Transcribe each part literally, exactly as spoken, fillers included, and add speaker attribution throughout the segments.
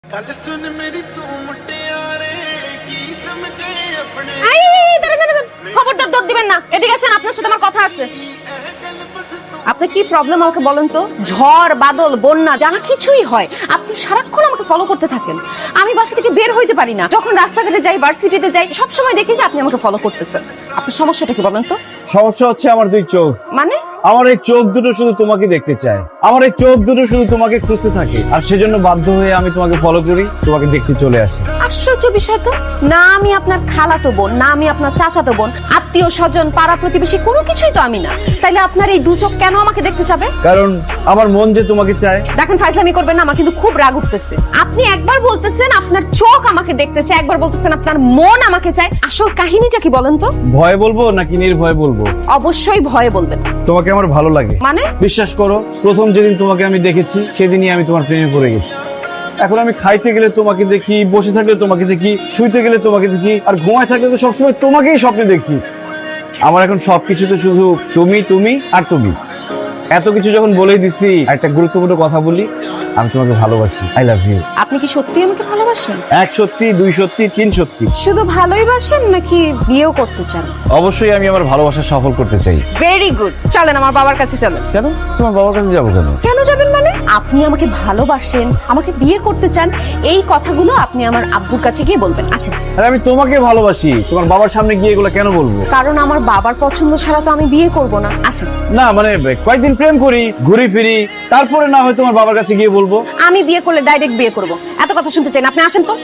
Speaker 1: गल सुन मेरी तू मुटियारे की समझे अपने
Speaker 2: এই দাঁড়ান দাঁড়ান খবরদার দৌড় দিবেন না, এদিকে আসেন, আপনার সাথে আমার কথা আছে। আপনি কি প্রবলেম আমাকে বলেন তো? ঝড় বাদল বন্যা যা কিছুই হয় আপনি সারাক্ষণ আমাকে ফলো করতে থাকেন। আমি বাসা থেকে বের হইতে পারি না, যখন রাস্তাঘাটে যাই ভার্সিটিতে যাই সব সময় দেখি যে আপনি আমাকে ফলো করতেছেন। আপনার সমস্যাটা কি বলেন তো?
Speaker 3: সমস্যা হচ্ছে আমার দুই চোখ।
Speaker 2: মানে
Speaker 3: আমার এই চোখ দুটো শুধু তোমাকে দেখতে চায়, আমার এই চোখ দুটো শুধু তোমাকে খুঁজতে থাকে, আর সেজন্য বাধ্য হয়ে আমি তোমাকে ফলো করি, তোমাকে দেখতে চলে আসি।
Speaker 2: আশ্চর্য বিষয় তো, না আমি আপনার খালাতো বোন, না আমি আপনার চাচাতো বোন, আত্মীয় স্বজন পাড়া প্রতিবেশী কোনো কিছুই তো আমি না, তাইলে আপনার এই দু চোখ কেন আমাকে দেখতে যাবে?
Speaker 3: কারণ আমার মন যে তোমাকে চায়।
Speaker 2: দেখেন ফাইজলামি করবেন না, আমার কিন্তু খুব রাগ উঠতেছে। আপনি একবার বলতেছেন আপনার চোখ আমাকে দেখতে চায়, একবার বলতেছেন আপনার মন আমাকে চায়। আসল কাহিনীটা কি বলেন তো?
Speaker 3: ভয় বলবো নাকি নির্ভয় বলবো?
Speaker 2: অবশ্যই ভয়ে বলবেন।
Speaker 3: তোমাকে আমার ভালো লাগে।
Speaker 2: মানে?
Speaker 3: বিশ্বাস করো, প্রথম যেদিন তোমাকে আমি দেখেছি সেদিনই আমি তোমার প্রেমে পড়ে গেছি। এখন আমি খাইতে গেলে তোমাকে দেখি, বসে থাকলে তোমাকে দেখি, শুইতে গেলে তোমাকে দেখি, আর ঘুমায় থাকলে তো সবসময় তোমাকেই স্বপ্নে দেখি। আমার এখন সবকিছুতে শুধু তুমি তুমি আর তুমি। এত কিছু যখন বলেই দিছি, একটা গুরুত্বপূর্ণ কথা বলি, আমি তোমাকে ভালোবাসি। I love you.
Speaker 2: আপনি কি সত্যি আমাকে ভালোবাসেন?
Speaker 3: এক সত্যি, দুই সত্যি, তিন সত্যি।
Speaker 2: শুধু ভালোই বাসেন নাকি বিয়েও করতে চান?
Speaker 3: অবশ্যই আমি আমার ভালোবাসা সফল করতে চাই।
Speaker 2: ভেরি গুড, চলেন আমার বাবার কাছে চলেন।
Speaker 3: কেন? তোমার বাবার কাছে যাবো কেন?
Speaker 2: কেন যাবেন মানে? আপনি আমাকে ভালোবাসেন, আমাকে বিয়ে করতে চান, এই কথাগুলো আপনি আমার আব্বুর কাছে গিয়ে বলবেন। আসেন।
Speaker 3: আরে আমি তোমাকে ভালোবাসি, তোমার বাবার সামনে গিয়ে এগুলো কেন বলবো?
Speaker 2: কারণ আমার বাবার পছন্দ ছাড়া তো আমি বিয়ে করব না। আসেন।
Speaker 3: না মানে কয়েকদিন প্রেম করি, ঘুরি ফিরি, তারপরে না হয় তোমার বাবার কাছে গিয়ে বলবো।
Speaker 2: আমি বিয়ে করলে ডাইরেক্ট বিয়ে করব, এত কথা শুনতে চাই না। আপনি আসেন তো।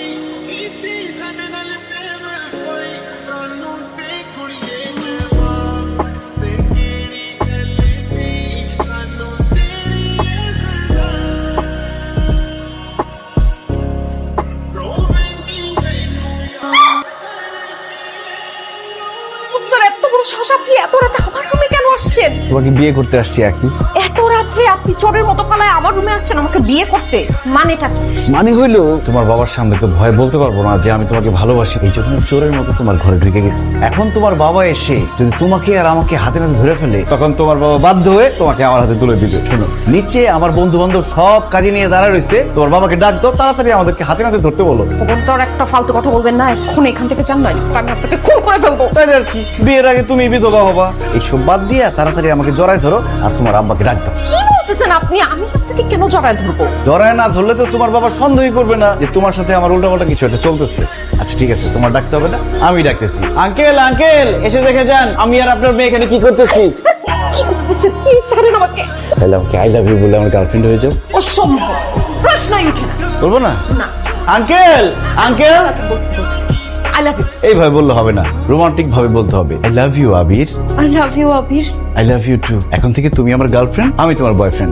Speaker 2: এত বড় সাহস, আপনি এত রাতে আমার রুমে কেন আসছেন?
Speaker 3: তোমাকে বিয়ে করতে আসছি আর কি।
Speaker 2: এত রাত্রে আপনি চোরের মতো পালায় আমার রুমে আসছেন আমাকে বিয়ে করতে, মানেটা কি?
Speaker 3: মানে হইলো তোমার বাবার সামনে তো ভয় বলতে পারবো না যে আমি তোমাকে ভালোবাসি, এই জন্য চোরের মতো তোমার ঘরে ঢুকে গেছি। এখন তোমার বাবা এসে যদি তোমাকে আর আমাকে হাতে নাতে ধরে ফেলে, তখন তোমার বাবা বাধ্য হয়ে তোমাকে আমার হাতে তুলে দিবে। শোনো, নিচে আমার বন্ধু বান্ধব সব কাজে নিয়ে দাঁড়ায় রয়েছে, তোমার বাবাকে ডাক দাও, তাড়াতাড়ি আমাদেরকে হাতে নাতে ধরতে বলো।
Speaker 2: তখন তো আর একটা ফালতু কথা বলবেন না, এখন এখান থেকে চান নয় তো আমি আপনাকে খুন করে ফেলবো।
Speaker 3: তাই আর কি, বিয়ের আগে তুমি বিধবা হবা। এইসব বাদ দিয়ে তাড়াতাড়ি আমাকে জড়ায় ধরো আর তোমার আব্বাকে ডাক দাও।
Speaker 2: কি বলতেছেন আপনি? আমি আপনাকে কেন জড়ায় ধরবো?
Speaker 3: জড়ায় না ধরলে তো তোমার বাবা সন্দেহই করবে না যে তোমার সাথে আমার উল্টাপাল্টা কিছু একটা চলতেছে। আচ্ছা ঠিক আছে, তোমার ডাকতে হবে না, আমি ডাকতেছি। আঙ্কেল আঙ্কেল এসে দেখে যান আমি আর আপনার মেয়ে এখানে কি করতেছি।
Speaker 2: কি করতেছেন? প্লিজ ছাড়েন আমাকে।
Speaker 3: তাহলে আমাকে আই লাভ ইউ বলে আমার গার্লফ্রেন্ড হয়ে যাও।
Speaker 2: অসম্ভব, প্রশ্নই উঠে না।
Speaker 3: বলবো না?
Speaker 2: না।
Speaker 3: আঙ্কেল আঙ্কেল
Speaker 2: আচ্ছা, বলছি বলছি। I love you.
Speaker 3: এইভাবে বললে হবে না, রোমান্টিক ভাবে বলতে হবে। I love you Abir.
Speaker 2: I love you, Abir.
Speaker 3: I love you too. এখন থেকে তুমি আমার গার্লফ্রেন্ড, আমি তোমার বয়ফ্রেন্ড।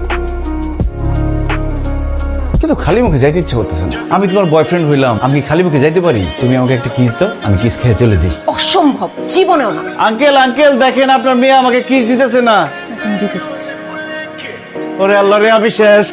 Speaker 3: কিন্তু খালি মুখে যাইতে ইচ্ছে করতেছে না। আমি তোমার বয়ফ্রেন্ড হইলাম, আমি কি খালি মুখে যাইতে পারি? তুমি আমাকে একটা কিস দাও, আমি কিস খেয়ে চলে যাই।
Speaker 2: অসম্ভব, জীবনেও না।
Speaker 3: আঙ্কেল আঙ্কেল দেখেন আপনার মেয়ে আমাকে কিস দিতেছে না।
Speaker 2: আচ্ছা, আমি দিতেছি।
Speaker 3: ওরে আল্লাহ রে, আমি শেষ।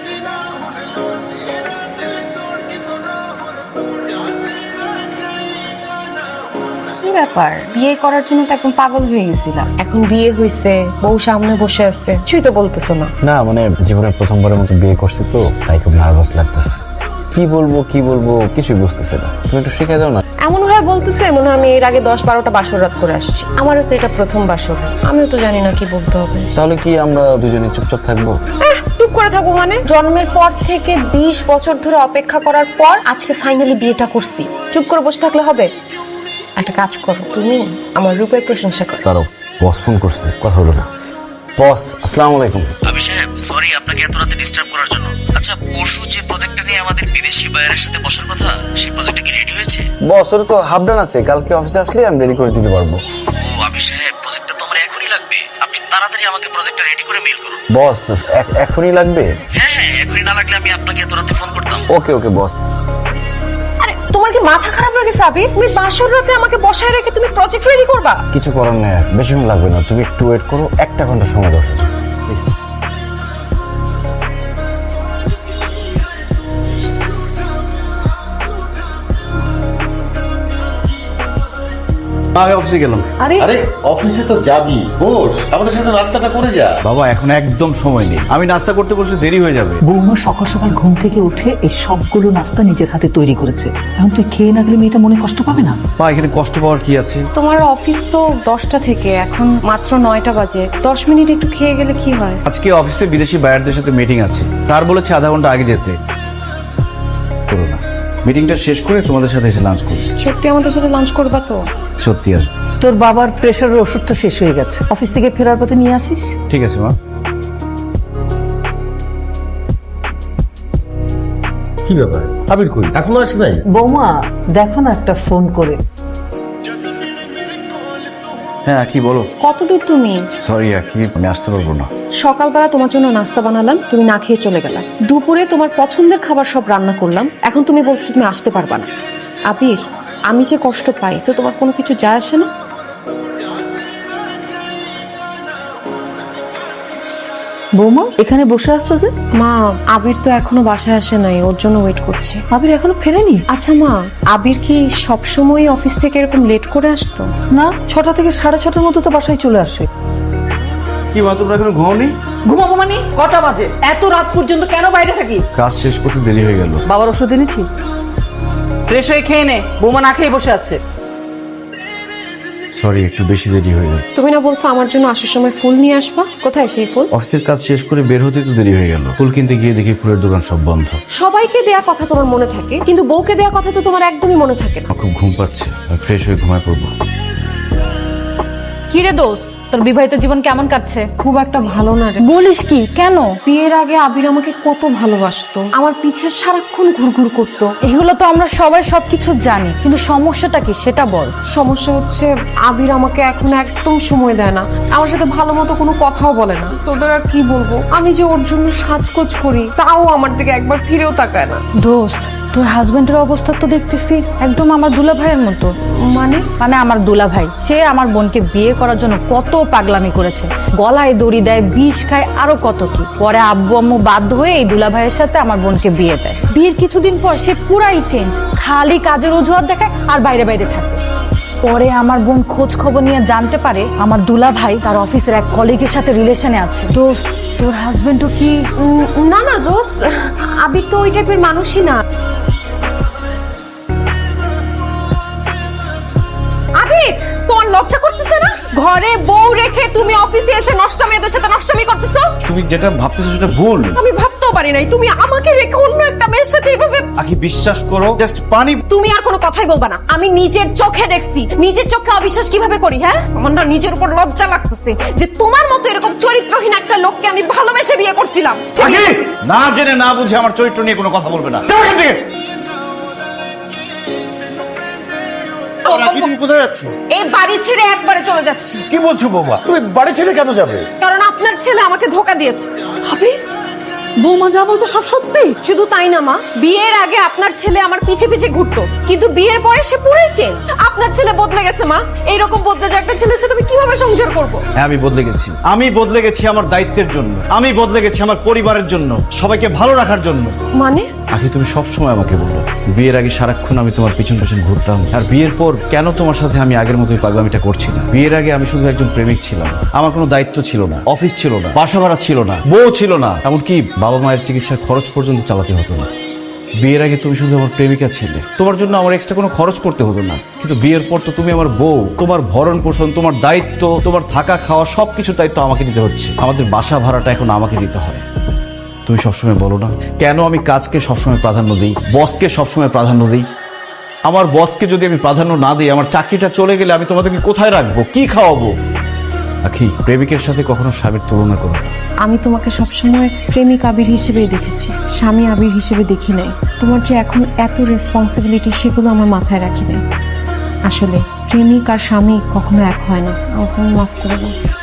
Speaker 2: কি ব্যাপার? বিয়ে করার জন্য তো একদম পাগল হয়ে গেছিলাম, এখন বিয়ে হয়েছে, বউ সামনে বসে আছে, কিছুই তো বলতেছো না।
Speaker 3: না মানে জীবনের প্রথমবারের মতো বিয়ে করছি তো, তাই খুব নার্ভাস লাগতেছে। কি বলবো কি বলবো কিছুই বুঝতেছে না। তুমি একটু শিখে দাও না।
Speaker 2: এমন ভাবে বলতেছে মনে হয় আমি এর আগে দশ বারোটা বাসর রাত করে আসছি। আমারও তো এটা প্রথম বাসর, আমিও তো জানি না কি বলতে হবে।
Speaker 3: তাহলে কি আমরা দুজনে চুপচাপ থাকবো?
Speaker 2: এহ, চুপ করে থাকবো মানে? জন্মের পর থেকে বিশ বছর ধরে অপেক্ষা করার পর আজকে ফাইনালি বিয়েটা করছি, চুপ করে বসে থাকলে হবে? একটা কাজ করো, তুমি আমার রূপের প্রশংসা করো।
Speaker 3: তারও বস ফোন করছে, কথা হলো না। বস আসসালামু আলাইকুম।
Speaker 4: আবি সাহেব, সরি আপনাকে এত রাতে ডিস্টার্ব করার জন্য। আচ্ছা, পরশু যে প্রজেক্টটা নিয়ে আমাদের বিদেশি বায়ারের সাথে বসার কথা, সেই প্রজেক্টটা কি রেডি হয়েছে?
Speaker 3: বস ওর তো হাফ ডান আছে, কালকে অফিসে আসলে আমি রেডি করে দিতে পারবো।
Speaker 4: ও আবি সাহেব, প্রজেক্টটা তো আমার এখনই লাগবে। আপনি তাড়াতাড়ি আমাকে প্রজেক্টটা রেডি করে মেইল করুন।
Speaker 3: বস এখ- এখনই লাগবে?
Speaker 4: হ্যাঁ হ্যাঁ, এখনই না লাগলে আমি আপনাকে এত রাতে ফোন করতাম।
Speaker 3: ওকে ওকে বস।
Speaker 2: আরে তোমার কি মাথা খারাপ হয়ে গেছে আবির? তুমি বাসর রাতে আমাকে বসায় রেখে তুমি প্রজেক্ট রেডি করবা?
Speaker 3: কিছু করার নেই, বেশিক্ষণ লাগবে না, তুমি একটু ওয়েট করো, একটা ঘন্টা সময় দাও। আমি অফিসে গেলাম।
Speaker 2: আরে
Speaker 5: আরে অফিসে তো যাবি, বস আমাদের সাথে নাস্তাটা করে যা।
Speaker 3: বাবা এখন একদম সময় নেই, আমি নাস্তা করতে বসে দেরি হয়ে যাবে।
Speaker 6: বৌমা সকাল সকাল ঘুম থেকে উঠে এই সবগুলো নাস্তা নিজের হাতে তৈরি করেছে, এখন তুই খেয়ে না গেলে মেয়েটা মনে কষ্ট পাবে না?
Speaker 3: মা এখানে কষ্ট পাওয়ার কি আছে?
Speaker 2: তোমার অফিস তো দশটা থেকে, এখন মাত্র নয়টা বাজে। দশ মিনিট একটু খেয়ে গেলে কি হয়?
Speaker 3: আজকে অফিসে বিদেশি বায়ারদের সাথে মিটিং আছে, স্যার বলেছে আধা ঘন্টা আগে যেতে। করো না, মিটিংটা শেষ করে তোমাদের সাথে এসে লাঞ্চ করবো।
Speaker 2: সত্যি আমাদের সাথে লাঞ্চ করবা তো?
Speaker 3: সত্যি আর
Speaker 6: তোর বাবার প্রেশারের ওষুধটা শেষ হয়ে গেছে, অফিস থেকে ফেরার পথে নিয়ে আসিস।
Speaker 3: ঠিক আছে মা।
Speaker 5: কি ব্যাপার, আবির কই, এখনো আসে নাই?
Speaker 6: বৌমা দেখো না একটা ফোন করে।
Speaker 3: হ্যাঁ কি বলো?
Speaker 2: কত দূর তুমি?
Speaker 3: সরি আখি, আমি আসতে পারবো না।
Speaker 2: সকালবেলা তোমার জন্য নাস্তা বানালাম, তুমি না খেয়ে চলে গেলা। দুপুরে তোমার পছন্দের খাবার সব রান্না করলাম, এখন তুমি বলছো তুমি আসতে পারবা না। আবির, আমি যে কষ্ট পাই তো তোমার কোনো কিছু যায় আসে না?
Speaker 6: বৌমা এখানে বসে আসছো যে?
Speaker 2: মা, আবির তো এখনো বাসায় আসে নাই, ওর জন্য ওয়েট করছি।
Speaker 6: আবির এখনো ফেরেনি?
Speaker 2: আচ্ছা মা, আবির কি সবসময় অফিস থেকে এরকম লেট করে আসতো?
Speaker 6: না, ছটা থেকে সাড়ে ছটার মতো তো বাসায় চলে আসে।
Speaker 3: কি মা, তোমরা এখনো ঘুমাওনি?
Speaker 6: ঘুমাবো মানে কটা বাজে? এত রাত পর্যন্ত কেন বাইরে থাকি?
Speaker 3: কাজ শেষ করতে দেরি হয়ে গেল।
Speaker 6: বাবার ওষুধ এনেছি, ফ্রেশ হয়ে খেয়ে নে। বৌমা না খেয়ে বসে আছে।
Speaker 3: সরি, একটু বেশি দেরি হয়ে গেল।
Speaker 2: তুমি না বলছো আমার জন্য আসার সময় ফুল নিয়ে আসবা? কোথায় সেই ফুল?
Speaker 3: অফিসের কাজ শেষ করে বের হতে তো দেরি হয়ে গেল, ফুল কিনতে গিয়ে দেখি ফুলের দোকান সব বন্ধ।
Speaker 2: সবাইকে দেয়া কথা তোমার মনে থাকে, কিন্তু বউকে দেয়া কথা তো তোমার একদমই মনে থাকে না।
Speaker 3: আমার খুব ঘুম পাচ্ছে, আমি ফ্রেশ হয়ে ঘুমায় পড়বো।
Speaker 7: কি রে দোস্ত, তোর বিবাহিত জীবন কেমন কাটছে?
Speaker 2: খুব একটা ভালো না রে।
Speaker 7: বলিস কি, কেন?
Speaker 2: বিয়ের আগে আবির আমাকে কত ভালোবাসতো, আমার পিছে সারাক্ষণ ঘুরঘুর করতো।
Speaker 7: এগুলো তো আমরা সবাই সবকিছু জানি, কিন্তু সমস্যাটা কি সেটা বল।
Speaker 2: সমস্যা হচ্ছে আবির আমাকে এখন একদম সময় দেয় না, আমার সাথে ভালো মতো কোনো কথাও বলে না। তোদের আর কি বলবো, আমি যে ওর জন্য সাজগোজ করি তাও আমার দিকে একবার ফিরেও তাকায় না।
Speaker 7: দোস্ত, তোর হাজবেন্ডের অবস্থা তো দেখতেছি একদম আমার দুলা ভাইয়ের মতো।
Speaker 2: মানে
Speaker 7: মানে আমার দুলা ভাই, সে আমার বোনকে বিয়ে করার জন্য কত পাগলামি করেছে, গলায় দড়ি দেয়, বিষ খায়, আরো কত কি। পরে আব্বু আম্মু বাধ্য হয়ে এই দুলা ভাইয়ের সাথে আমার বোনকে বিয়ে দেয়। বিয়ের কিছুদিন পর সে পুরাই চেঞ্জ, খালি কাজের অজুহাত দেখায় আর বাইরে বাইরে থাকে। পরে আমার বোন খোঁজ খবর নিয়ে জানতে পারে আমার দুলা ভাই তার অফিসের এক কলিগের সাথে রিলেশনে আছে। দোস্ত, তোর হাজবেন্ডও কি?
Speaker 2: উম, না না দোস্ত, আবির তো ওই টাইপের মানুষই না। আবির, তোর লজ্জা করতেছে না? ঘরে বউ রেখে তুমি অফিসে এসে নষ্ট মেয়েদের সাথে নষ্টমি করতেছো।
Speaker 3: তুমি যেটা ভাবতেছো সেটা ভুল।
Speaker 2: আমি ভাবতেও পারি নাই তুমি আমাকে রেখে অন্য একটা মেয়ের সাথে এভাবে।
Speaker 3: আখি বিশ্বাস করো, জাস্ট পানি।
Speaker 2: তুমি আর কোনো কথাই বলবা না, আমি নিজের চোখে দেখছি। নিজের চোখে অবিশ্বাস কিভাবে করি? হ্যাঁ, আমার না নিজের উপর লজ্জা লাগতেছে যে তোমার মতো এরকম চরিত্রহীন একটা লোককে আমি ভালোবেসে বিয়ে করছিলাম।
Speaker 3: আখি, না জেনে না বুঝে আমার চরিত্র নিয়ে কোনো কথা বলবে না। আখি, তুমি কোথায় যাচ্ছ?
Speaker 2: এই বাড়ি ছেড়ে একবারে চলে যাচ্ছি।
Speaker 5: কি বলছো বৌমা, তুমি বাড়ি ছেড়ে কেন যাবে?
Speaker 2: কারণ আপনার ছেলে আমাকে ধোকা দিয়েছে।
Speaker 6: আবির, বৌমা যা বলছে সব সত্যি?
Speaker 2: শুধু তাই না মা, বিয়ের আগে আপনার ছেলে আমার পিছে পিছে ঘুরতো, কিন্তু বিয়ের পরে সে পুরোই চেঞ্জ। আপনার ছেলে বদলে গেছে মা, এইরকম বদলে যাওয়া একটা ছেলের সাথে আমি কিভাবে সংসার করব?
Speaker 3: হ্যাঁ, আমি বদলে গেছি। আমি বদলে গেছি আমার দায়িত্বের জন্য, আমি বদলে গেছি আমার পরিবারের জন্য, সবাইকে ভালো রাখার জন্য।
Speaker 2: মানে?
Speaker 3: আখি, তুমি সব সময় আমাকে বলো বিয়ের আগে সারাক্ষণ আমি তোমার পিছন পিছন ঘুরতাম, আর বিয়ের পর কেন তোমার সাথে আমি আগের মতোই পাগলামিটা করছি না? বিয়ের আগে আমি শুধু একজন প্রেমিক ছিলাম, আমার কোনো দায়িত্ব ছিল না, অফিস ছিল না, বাসা ভাড়া ছিল না, বউ ছিল না, এমনকি বাবা মায়ের চিকিৎসার খরচ পর্যন্ত চালাতে হতো না। বিয়ের আগে তুমি শুধু আমার প্রেমিকা ছিলে, তোমার জন্য আমার এক্সট্রা কোনো খরচ করতে হতো না। কিন্তু বিয়ের পর তো তুমি আমার বউ, তোমার ভরণ পোষণ, তোমার দায়িত্ব, তোমার থাকা খাওয়া সবকিছুর দায়িত্ব আমাকে দিতে হচ্ছে। আমাদের বাসা ভাড়াটা এখন আমাকে দিতে হয়। তুমি সবসময় বলো না কেন আমি কাজকে সবসময় প্রাধান্য দিই, বসকে সবসময় প্রাধান্য দিই? আমার বসকে যদি আমি প্রাধান্য না দিই, আমার চাকরিটা চলে গেলে আমি তোমাদেরকে কোথায় রাখবো, কি খাওয়াবো? আখি, প্রেমিকের সাথে কখনো স্বামীর তুলনা করো না।
Speaker 2: আমি তোমাকে সবসময় প্রেমিক আবির হিসেবেই দেখেছি, স্বামী আবির হিসেবে দেখি নাই। তোমার যে এখন এত রেসপন্সিবিলিটি, সেগুলো আমার মাথায় রাখি নাই। আসলে প্রেমিক আর স্বামী কখনো এক হয় না। আমাকে মাফ করে দাও।